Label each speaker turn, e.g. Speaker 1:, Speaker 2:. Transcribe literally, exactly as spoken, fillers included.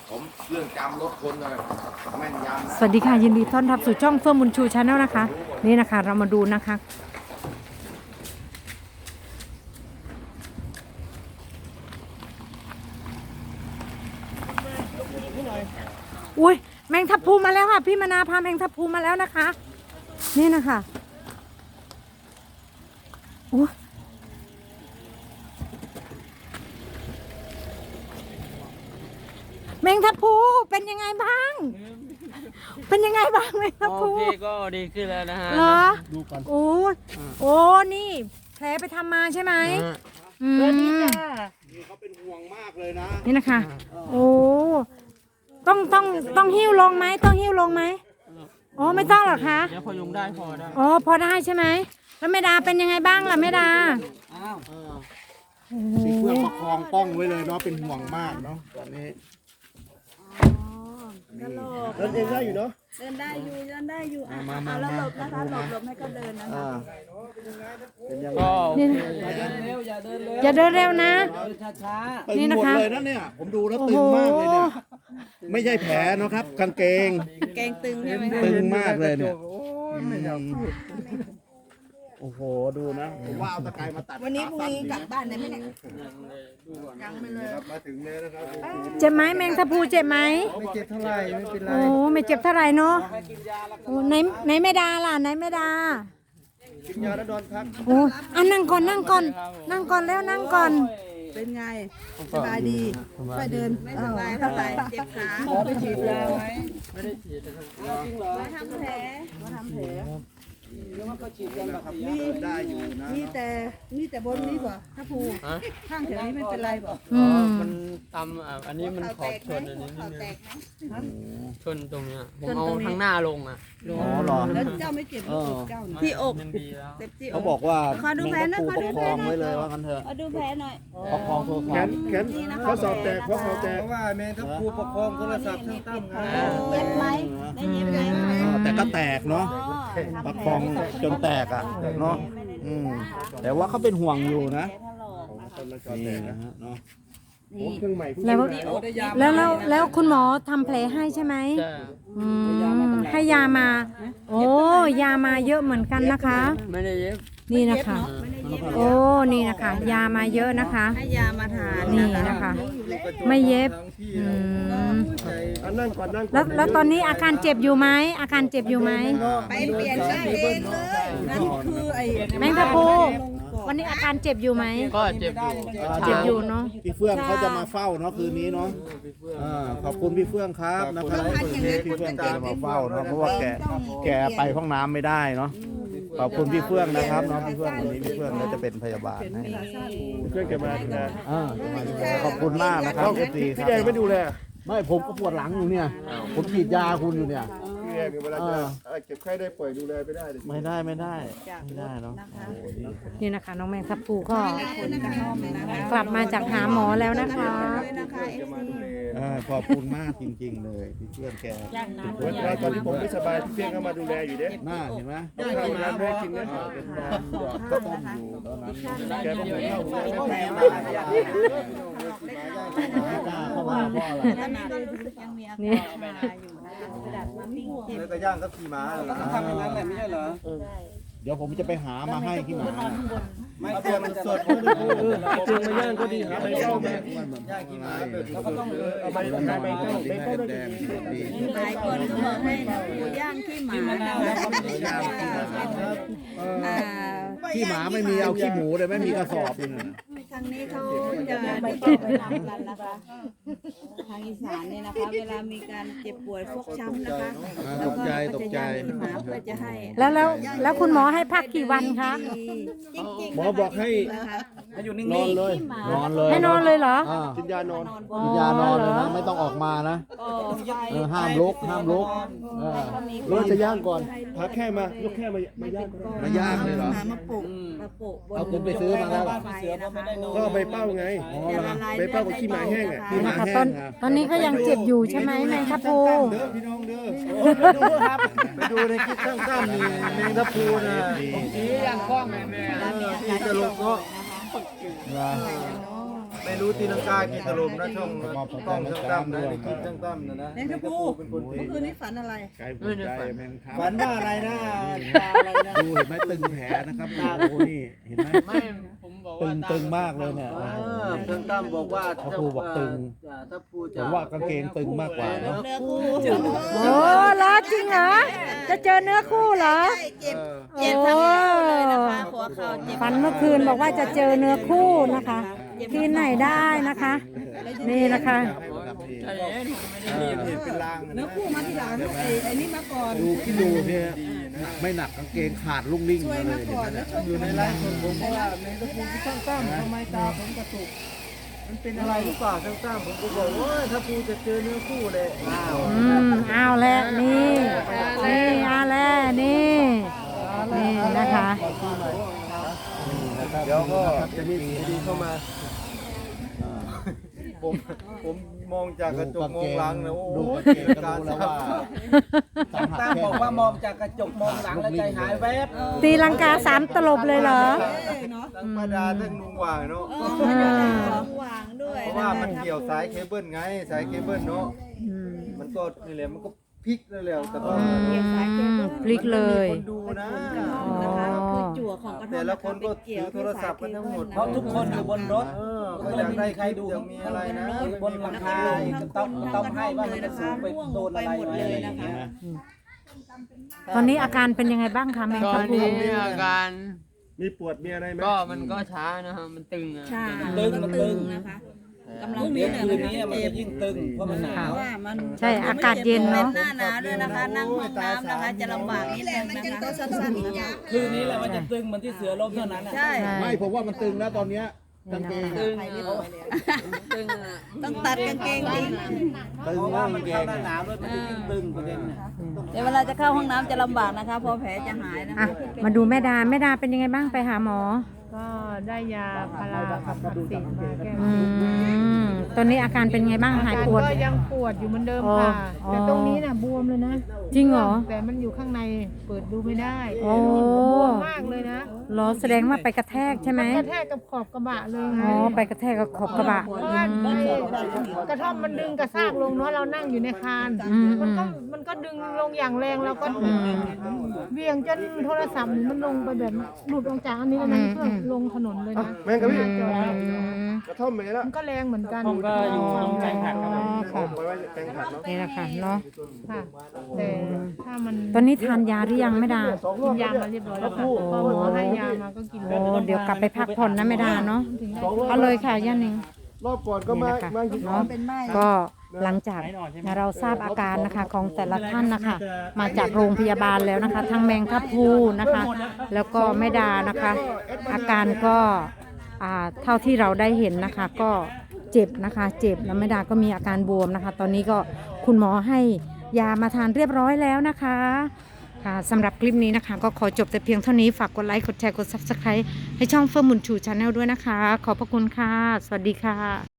Speaker 1: ผมเรื่องจำรถคนเลยแม่นยำ
Speaker 2: สวัสดีค่ะยินดีต้อนรับสู่ช่องเฟื่องบุญชูชาแนลนะคะนี่นะคะเรามาดูนะคะอุ้ยแมงทับพลูมาแล้วค่ะพี่มนาพาแมงทับพลูมาแล้วนะคะนี่นะคะโอ้แมงทับพลูเป็นยังไงบ้างเป็นยังไงบ้างแมงทับพลู
Speaker 3: โอเคก็ดีขึ้นแล้วนะฮะ
Speaker 2: เหรอ
Speaker 3: ดูกัน
Speaker 2: โอ้โอ้นี่แผลไปทำมาใช่ไหมอืม
Speaker 1: นี่เขาเป็นห่วงมากเลยนะ
Speaker 2: นี่นะคะ โอ้ต้องต้องต้องหิ้วลงไหมต้องหิ้วลงไหมโอ้ไม่ต้องหรอกคะ
Speaker 3: เดี๋ยวพยุงได้พอได้
Speaker 2: อ๋อพอได้ใช่ไหมแล้วแม่ดาเป็นยังไงบ้างล่ะแม่ดา
Speaker 3: อ้าว
Speaker 2: โอ้
Speaker 1: มีเครื่องประคองป้องไว้เลยเนาะเป็นห่วงมากเนาะตอนนี้
Speaker 4: เดินเองได้อยู่เนาะ
Speaker 5: เดินได้อยู่เดินได้อยู่อ่ะ
Speaker 1: มามา
Speaker 5: เอาแล้ว
Speaker 1: มา
Speaker 5: หลบนะคะหลบหลบให้เขาเดินนะคะ
Speaker 1: อ่าเป็นยังไง
Speaker 3: ก็
Speaker 2: นี่
Speaker 3: อย่าเดินเร็วอย่าเดินเร็ว
Speaker 2: อย่าเดินเร็วนะ
Speaker 3: ช้า
Speaker 1: ตึ
Speaker 2: นี่
Speaker 1: ง
Speaker 2: นะ
Speaker 1: หมด
Speaker 2: คะ
Speaker 1: เลยนะเนี่ยผมดูแล้ว
Speaker 2: โอ้
Speaker 1: ตึ
Speaker 2: โห
Speaker 1: งมากเลยเนี่ยไม่ใช่แผลเนาะครับกางเกง
Speaker 5: แกงตึงใช่ไหมคะ
Speaker 1: ตึงมากเลยเนี่ยโอ้โหดูนะผมว่าเอาตะไคร้มาตัด
Speaker 5: วันนี้พรุ่งนี้กลับบ้านได้ไหมเนี่ย
Speaker 1: ครับมาถึงเลยนะครับ
Speaker 2: เจ็บไหมแมงทับพลูเจ็บไหม
Speaker 4: ไม่เจ็บเท่าไหร่ไม่เป็นไร
Speaker 2: โอ้ไม่เจ็บเท่าไหร่เนาะโอ้ไหนไหนแม่ดาล่ะไหนแม่ดา
Speaker 4: กินยาแล้วนอนพัก
Speaker 2: โอ้อ่ะนั่งก่อนนั่งก่อนนั่งก่อนแล้วนั่งก่อน
Speaker 5: เป็นไงสบายดีไปเดินไม่สบายเท่าไหร่เจ็บขา
Speaker 3: ๆหมอไปฉีดยาไหมไม่ได้ฉีดนะครับจริงเหรอ
Speaker 5: มาทำแผลมาทำแผล
Speaker 3: หรือว่าเขาฉีดกันแบบนี้
Speaker 5: มี
Speaker 1: ได้อยู่นะ
Speaker 5: มีแต่มีแต่บนนี้ป่ะถ้าภูข้างแถวนี้ไม่เป็นไรป่ะ
Speaker 2: อืม
Speaker 3: มันตำอ่ะอันนี้มันขอบชนอันนี้นิ
Speaker 5: เขา
Speaker 3: ด
Speaker 5: แต
Speaker 3: นึง
Speaker 5: กไหม
Speaker 3: ชนตรงเนี้ยผมเอาข้างหน้าลงอ่ะ
Speaker 1: อ๋อเหรอ
Speaker 5: แล้วเจ้าไม่เจ็บหรือเจ้าที่อก
Speaker 3: มันดีแล้ว
Speaker 5: เจ็บที่อ
Speaker 1: เขา
Speaker 5: ก
Speaker 1: บอกว่า
Speaker 5: ขอดูแผลหน่อย
Speaker 1: แมง
Speaker 5: ขอ
Speaker 1: ตะ
Speaker 5: ดู
Speaker 1: ปูประ
Speaker 5: แผ
Speaker 1: ค
Speaker 5: ล
Speaker 1: อง
Speaker 5: หน่อย
Speaker 1: ไว้เลยว่ากันเถอะ
Speaker 5: ขอดูแผลหน่อย
Speaker 1: ประคองโทร
Speaker 4: แข
Speaker 1: ศัพ
Speaker 4: น
Speaker 1: ท์
Speaker 4: แขนข้อศอกแตกข้อศอกแตกเพราะว่าแม่ทับครูประคองโทรศัพท์ทั้งตั้ง
Speaker 5: เจ็บไหมได้เจ็บไหม
Speaker 1: อ๋อแต่ก็แตกเนาะ
Speaker 5: อ๋อ
Speaker 1: ประคองจนแตกอ่ะเนาะอืมแต่ว่าเขาเป็นห่วงอยู่นะนี่นะฮะเนาะ
Speaker 4: เครื่องใหม่
Speaker 2: แล้วแล้วแล้วแล้วคุณหมอทำแผลให้ใช่ไหม
Speaker 3: ใช่
Speaker 2: อืมให้ยามา โอ้ยามาเยอะเหมือนกันนะคะ
Speaker 3: ไม่ได้เย็บ
Speaker 2: นี่นะคะ โอ้นี่นะคะ ยามาเยอะนะคะ
Speaker 5: ให้ยามาทาน
Speaker 2: นี่นะคะ ไม่เย็บอืม
Speaker 4: นั่งก่อนนั่งก่อน
Speaker 2: แล้วแล้วตอนนี้อาการเจ็บอยู่ไหมอาการเจ็บอยู่ไหม
Speaker 5: ไปเปลี่ยนได้เองเลยนั่นคือไอ้
Speaker 2: แมงกะพรุนวันนี้อาการเจ็บอยู่ไหม
Speaker 3: ก็เจ็บอยู่
Speaker 2: เจ็บอยู่เนาะ
Speaker 1: พี่เฟื่องเขาจะมาเฝ้าเนาะคืนนี้เนาะอ่าขอบคุณพี่เฟื่องครับนะครับพี่เฟื่องแกจะมาเฝ้าเนาะเพราะว่าแกแกไปห้องน้ำไม่ได้เนาะขอบคุณพี่เฟื่องนะครับเนาะพี่เฟื่องวันนี้พี่เฟื่องก็จะเป็นพยาบาลให้
Speaker 4: เครื่องแกมาดูแล
Speaker 1: อ่าจะมาดูแลขอบคุณมากนะครับพี่ตีครับ
Speaker 4: พี่แดงไม่ดูแล
Speaker 1: ไม่ผมก็ปวดหลังอยู่เนี่ย ผมฉีดยาคุณอยู่เนี่ย
Speaker 4: พี่แดงเวลาจะเก็บไข้ได้ป่วยดูแลไม่ได้เลย
Speaker 1: ไม่ได้ไม่ได้ไม่ได้เนาะ
Speaker 2: นี่นะคะ น้องแมงทับพลูก็กลับมาจากหาหมอแล้วนะคะ
Speaker 5: นะคะเอฟซี
Speaker 1: อ่าขอบคุณมากจริงๆเลยพี่เพื่อนแก
Speaker 4: วันแรกตอนที่ผมไม่สบายพี่เพียงก็มาดูแลอยู่เด้
Speaker 1: หน้าเห็นไหม
Speaker 4: ต้องทำน้ำให้กินนะ
Speaker 1: เป็นนอนหยอดข้าวต้มอยู่ตอนนั้น
Speaker 4: แกก็ไม่เข้าผมไม่แพ้
Speaker 1: ไม่กล้าเข้ามาเพราะอะไร
Speaker 5: ตอนนี้ก็รู้สึกยังมีอา
Speaker 2: นี่
Speaker 5: การมาอยู่นะคะกระดาษมาปิ้งเจ็บ
Speaker 4: แล้วก็ย่างก็ขี่ม้าแล้วทำอย่างนั้นแหละไม่ใช่เหรอ
Speaker 1: เดี๋ยวผมจะไปหามาให้ที่หมา
Speaker 4: ไม่เตรียมมันสดมันดูเออเตรียมมาย่างก็ดีหาใบเข้ามาย่างกี่ม้าแล้วก็ต้องเอาใบใบใบเข้าใบเข้าได้ดี
Speaker 5: หลายคนก็บอกให้น้องปูย่างขี้หมาอ่า
Speaker 1: ขี้หมาไม่มีเอาขี้หมูเลยไม่มีกระสอบเลยนะ
Speaker 5: ทางนี้เขาจะไม่ต้องไปทำกันนะคะ ทางอีสานเนี่ยนะคะ เวลามีการเจ็บป่วยฟกช้ำนะคะ
Speaker 1: อ่าตกใจตกใจ
Speaker 5: ขี้หมาเพื่อจะให้
Speaker 2: แล้วแล้วแล้วคุณหมอให้พักกี่วันคะ
Speaker 5: จริง
Speaker 4: หมอบอกให้
Speaker 5: ๆนะคะ
Speaker 4: ให้อยู่นิ่งๆเลย
Speaker 1: นอนเลย
Speaker 2: ให้นอนเลยเหรอ
Speaker 1: อ่า
Speaker 4: กินยานอน
Speaker 1: กินยานอนเลยนะไม่ต้องออกมานะ
Speaker 5: ก็
Speaker 1: เออห้ามลุกห้ามลุกเออ
Speaker 4: เราจะย่างก่อนพาแค่มายกแค่มามาย่าง
Speaker 1: มาย่างเลยเหรอ
Speaker 5: มาปลูกมาปลูกบน
Speaker 1: เอาคุณไปซื้อมาแล้วเหรอ
Speaker 5: ไฟนะคะ
Speaker 4: ก็ใบเป้าไงใบเป้ากับขี้หมาแห้งอ่ะ
Speaker 1: ขี้หมา
Speaker 2: ค่ะ
Speaker 1: แห้
Speaker 2: ตอน
Speaker 1: งครับ
Speaker 2: ตอนนี้ก็ยังเจ็บอยู่ใช่ไหมแมงทับพลู
Speaker 4: เด้อพี่น้องเด้อดูครับไปดูในคลิปสั้นๆนี่แมงทับพลูนะ
Speaker 3: สีอย่างกล้องแม่แม่
Speaker 4: ที่จะลงก็
Speaker 1: เหรอ
Speaker 4: ไปไม่รู้ตีลังกากี่ถล่มนะช่องกล้องช่างตั้มนะในคลิปช่างตั้มนะนะ
Speaker 5: แมงกะพรุน
Speaker 4: เป็นคน
Speaker 5: เมื่อคืนนี้ฝันอะไร
Speaker 1: ไกลหัวใจแมงครับ
Speaker 4: ฝันว่าอะไรนะตาอะไรนะ
Speaker 1: ดูเห็นไหมตึงแผลนะครับตาโอ้นี่เห็นไหม
Speaker 3: ไม่ผมบอก
Speaker 1: ตึ
Speaker 3: ว่าง
Speaker 1: ตึงมากเลยเนี่ย
Speaker 4: เออช่างตั้มบอกว่า
Speaker 1: ถ้าครูบอกตึง
Speaker 4: ถ้าครู
Speaker 1: ผ
Speaker 4: จะ
Speaker 1: มว่ากางเกงตึงมากกว่าเนาะ
Speaker 5: เนื้อคู่
Speaker 2: โอ้เหรอจริงเหรอจะเจอเนื้อคู่เหรอ
Speaker 5: เจ็บ
Speaker 2: โอ้
Speaker 5: เจ็บทั้งเข่าเลยนะคะหัวเข่าเจ็บ
Speaker 2: ฝันเมื่อคืนบอกว่าจะเจอเนื้อคู่นะคะ ที่ไหนได้นะคะ นี่นะคะ
Speaker 3: ใช่เอ๊ะไม่ได้รีบ
Speaker 4: เห็นเป็นลาง
Speaker 5: เนื้อคู่มาทีหลังไอ้ไอ้นี่มาก่อน
Speaker 1: ดูคิดดูเนี่ยไม่หนักกางเกงขาดลุ่งลิ่ง
Speaker 5: ช่วย
Speaker 1: เล
Speaker 5: มาย ก่อนแล้วช่วย
Speaker 4: อยู่ในไลฟ์สดผมเพราะว่าในตะปูที่ช่างตั้มทำไมตาผมกระตุกมันเป็นอะไรหรือเปล่าช่างตั้มผมก็บอกว่าถ้าครูจะเจอเนื้อคู่เลยอ้าว
Speaker 2: อืมเอาแล้วนี่นี่เอาแล้วนี่นี่นะคะ
Speaker 4: เดี๋ยวก็จะมีดีเข้ามา ผมผมมองจากกระจกมองหลังนะโอ้
Speaker 1: ดู
Speaker 4: โห
Speaker 1: กางเกงก็
Speaker 4: การ
Speaker 1: รู้แล้วว่า
Speaker 4: ตั้งบอกว่ามองจากกระจกมองหลังแล้วใจหายแวบ
Speaker 2: ตีลังกาสามตลบเลยเหรอ
Speaker 4: ทั้งป้าดาทั้งลุงหว่างเนาะ
Speaker 5: เออมันอยู่ในของวางด้วย
Speaker 4: เพราะว่ามันเกี่ยวสายเคเบิลไงสายเคเบิลเนาะ
Speaker 2: อืม
Speaker 4: มันก็นี่แหละมันก็พลิกนั่นแหละแต่ว่า
Speaker 2: อืมพลิกเลย
Speaker 4: คนดูนะ
Speaker 5: นะคะคือจั่วของกระท่อม
Speaker 4: แต่ละคนก็ถือโทรศัพท์กันทั้งหมด
Speaker 5: เพราะทุกคนอยู่บนรถ
Speaker 4: เออก็อยากได้ใครดูมีอะไรนะ
Speaker 5: บนหลังคาต้องต้องให้ว่ามันจะสูงไปโดนอะไรหมดเลยนะคะ
Speaker 2: ตอนนี้อาการเป็นยังไงบ้างคะแมง
Speaker 3: ตอ
Speaker 2: กะ
Speaker 3: น
Speaker 2: พรุ
Speaker 3: นี้
Speaker 2: น
Speaker 3: อาการ
Speaker 4: มีปวดมีอะไรไหม
Speaker 3: ก็มันก็ช้านะครับมันตึงอ่ะ
Speaker 5: ใช่
Speaker 4: ตึงมันตึง
Speaker 5: นะคะกำลังเนี้ยคืนนี้มันจะยิ่งตึงเพราะมันหนาวว่ามัน
Speaker 2: ใช่อากาศเย็นเนาะ
Speaker 5: หน้าหนาวด้วยนะคะ นั่งห้องน้ำนะคะจะลำบากนิดนึงนะคะ
Speaker 6: คืนนี้แหละมันจะตึงเหมือนที่เสือล้มเท่านั้นแหละ
Speaker 5: ใช่
Speaker 1: ไม่ผมว่ามันตึงแล้วตอนเนี้ยกางเกง
Speaker 3: ตึงอ่ะตึงอ่ะ
Speaker 5: ต้องตัดกางเกงจริง
Speaker 1: ตึง
Speaker 6: เพราะ
Speaker 1: มา
Speaker 6: ว่าก มั
Speaker 1: กาน งเก
Speaker 6: เข้าง หน้าหนาวด้วยมันจะยิ่งตึงประเด็นน่ะ
Speaker 5: เดี๋ยวเวลาจะเข้าห้องน้ำจะลำบากนะคะเพอแผลจะหายนะ
Speaker 2: อ่ะ
Speaker 5: คะ
Speaker 2: มาดูแม่ดาแม่ดาเป็นยังไงบ้างไปหาหมอ
Speaker 7: ก็ได้ยาพารากับวัคซีนมาแก้
Speaker 2: อืมตอนนี้อาการเป็นไงบ้างหายปวด
Speaker 7: ก็ยังปวดอยู่เหมือนเดิม
Speaker 2: อ๋อ
Speaker 7: ค่ะ
Speaker 2: อ๋อ
Speaker 7: แต่ตรงนี้น่ะบวมเลยนะ
Speaker 2: จริงเหรอ
Speaker 7: แต่มันอยู่ข้างในเปิดดูไม่ได้
Speaker 2: โอ้
Speaker 7: บวมมากเลยนะ
Speaker 2: เหรอแสดงว่าไปกระแทกใช่ไหม
Speaker 7: กระแทกกับขอบกระบะเลยไง
Speaker 2: อ๋อไปกระแทกกับขอบกระบะ
Speaker 7: เพราะว่าไอ้กระท่อมมันดึงกระซากลงเนาะเรานั่งอยู่ในคาน
Speaker 2: อืม
Speaker 7: มันก็มันก็ดึงลงอย่างแรงแล้วก็เบี่ยงจนโทรศัพท์มันลงไปแบบหลุดออกจากอันนี้แล้วมันก็ลงถนนเลยนะ
Speaker 4: แม่งกับพี่
Speaker 7: จอ
Speaker 2: อืม
Speaker 4: กระท่อมไหมล่ะ
Speaker 7: มันก็แรงเหมือนกัน
Speaker 3: ก็อยู่ตรงใจหักครับ
Speaker 2: อ๋อค่ะ
Speaker 4: ไว้ไว้แกงผัดเนาะ
Speaker 2: นี่แหละค่ะเนาะ
Speaker 7: ค่ะแต่ถ้ามัน
Speaker 2: ตอนนี้ทานยาหรือยังแม่ดา
Speaker 7: กินยามาเรียบร้อยแล้วค่ะพอหมอให้ยามาก็กิน
Speaker 2: โอ้เดี๋ยวกลับไปพักผ่อนนะแม่ดาเนาะเอาเลยค่ะย่านิง
Speaker 4: รอบก่อนก็
Speaker 2: นี่
Speaker 4: มา
Speaker 2: นะคะ
Speaker 4: มาอยู่
Speaker 2: เนาะก็หลังจากเราทราบอาการนะคะของแต่ละท่านนะคะ มาจากโรงพยาบาลแล้วนะคะ ทั้งแมงทับพลูนะคะ แล้วก็แม่ดานะคะ อาการก็อ่าเท่าที่เราได้เห็นนะคะ ก็เจ็บนะคะ เจ็บแล้วแม่ดาก็มีอาการบวมนะคะ ตอนนี้ก็คุณหมอให้ยามาทานเรียบร้อยแล้วนะคะค่ะสำหรับคลิปนี้นะคะ ก็ขอจบแต่เพียงเท่านี้ฝากกดไลค์กดแชร์กด ซับสไครบ์ ให้ช่องเฟิร์มบุญชูชาแนลด้วยนะคะ ขอบพระคุณค่ะ สวัสดีค่ะ